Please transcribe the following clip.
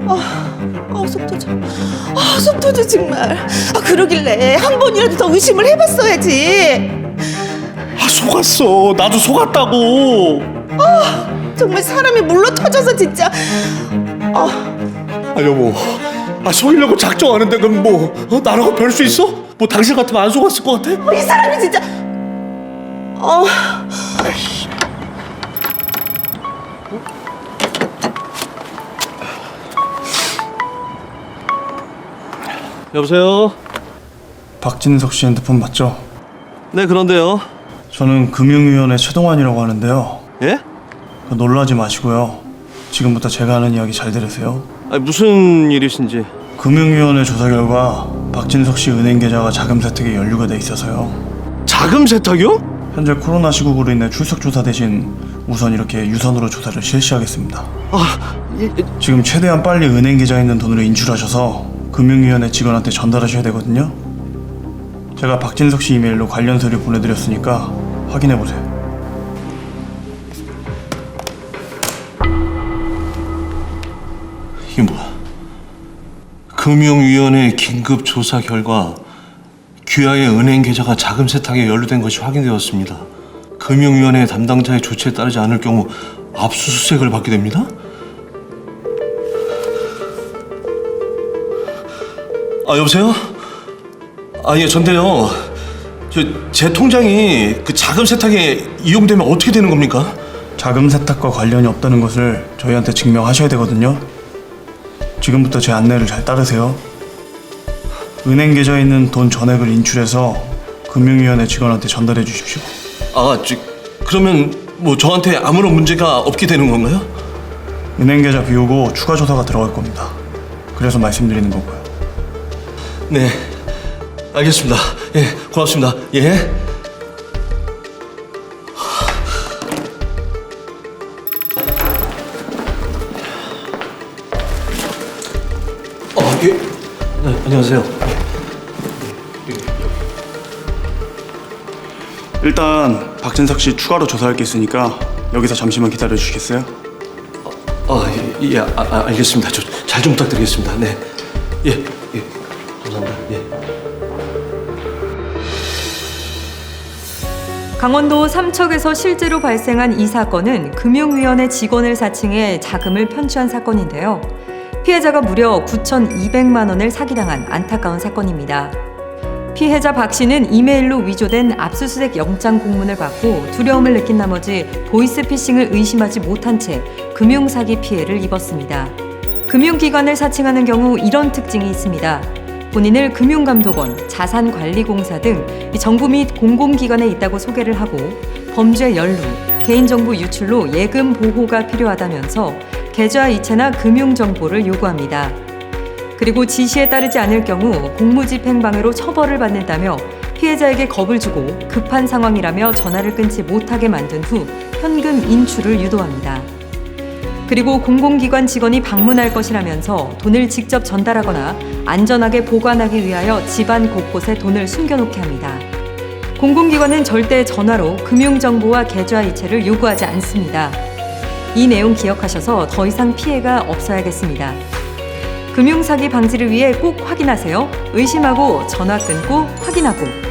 속 터져. 속 터져 정말. 그러길래 한 번이라도 더 의심을 해봤어야지. 속았어. 나도 속았다고. 정말 사람이 물러 터져서 진짜. 여보, 속이려고 작정하는데 그럼 뭐 나라고 별 수 있어? 뭐 당신 같으면 안 속았을 것 같아? 이 사람이 진짜. 여보세요? 박진석 씨 핸드폰 맞죠? 네, 그런데요. 저는 금융위원회 최동환이라고 하는데요. 예? 놀라지 마시고요. 지금부터 제가 하는 이야기 잘 들으세요. 무슨 일이신지. 금융위원회 조사 결과 박진석 씨 은행 계좌가 자금 세탁에 연루가 돼 있어서요. 자금 세탁이요? 현재 코로나 시국으로 인해 출석 조사 대신 우선 이렇게 유선으로 조사를 실시하겠습니다. 지금 최대한 빨리 은행 계좌에 있는 돈으로 인출하셔서 금융위원회 직원한테 전달하셔야 되거든요. 제가 박진석 씨 이메일로 관련 서류 보내드렸으니까 확인해보세요. 이게 뭐야? 금융위원회 긴급 조사 결과 귀하의 은행 계좌가 자금 세탁에 연루된 것이 확인되었습니다. 금융위원회 담당자의 조치에 따르지 않을 경우 압수수색을 받게 됩니다. 여보세요? 예, 전데요. 제 통장이 그 자금 세탁에 이용되면 어떻게 되는 겁니까? 자금 세탁과 관련이 없다는 것을 저희한테 증명하셔야 되거든요. 지금부터 제 안내를 잘 따르세요. 은행 계좌에 있는 돈 전액을 인출해서 금융위원회 직원한테 전달해 주십시오. 그러면 뭐 저한테 아무런 문제가 없게 되는 건가요? 은행 계좌 비우고 추가 조사가 들어갈 겁니다. 그래서 말씀드리는 거고요. 네, 알겠습니다. 예, 고맙습니다. 예. 예. 네, 안녕하세요. 일단 박진석 씨 추가로 조사할 게 있으니까 여기서 잠시만 기다려 주시겠어요? 알겠습니다. 저 잘 좀 부탁드리겠습니다. 네. 예, 감사합니다. 예. 강원도 삼척에서 실제로 발생한 이 사건은 금융위원회 직원을 사칭해 자금을 편취한 사건인데요. 피해자가 무려 9,200만 원을 사기당한 안타까운 사건입니다. 피해자 박 씨는 이메일로 위조된 압수수색 영장 공문을 받고 두려움을 느낀 나머지 보이스피싱을 의심하지 못한 채 금융사기 피해를 입었습니다. 금융기관을 사칭하는 경우 이런 특징이 있습니다. 본인을 금융감독원, 자산관리공사 등 정부 및 공공기관에 있다고 소개를 하고 범죄 연루, 개인정보 유출로 예금 보호가 필요하다면서 계좌 이체나 금융정보를 요구합니다. 그리고 지시에 따르지 않을 경우 공무집행방해로 처벌을 받는다며 피해자에게 겁을 주고 급한 상황이라며 전화를 끊지 못하게 만든 후 현금 인출을 유도합니다. 그리고 공공기관 직원이 방문할 것이라면서 돈을 직접 전달하거나 안전하게 보관하기 위하여 집안 곳곳에 돈을 숨겨놓게 합니다. 공공기관은 절대 전화로 금융정보와 계좌 이체를 요구하지 않습니다. 이 내용 기억하셔서 더 이상 피해가 없어야겠습니다. 금융사기 방지를 위해 꼭 확인하세요. 의심하고 전화 끊고 확인하고.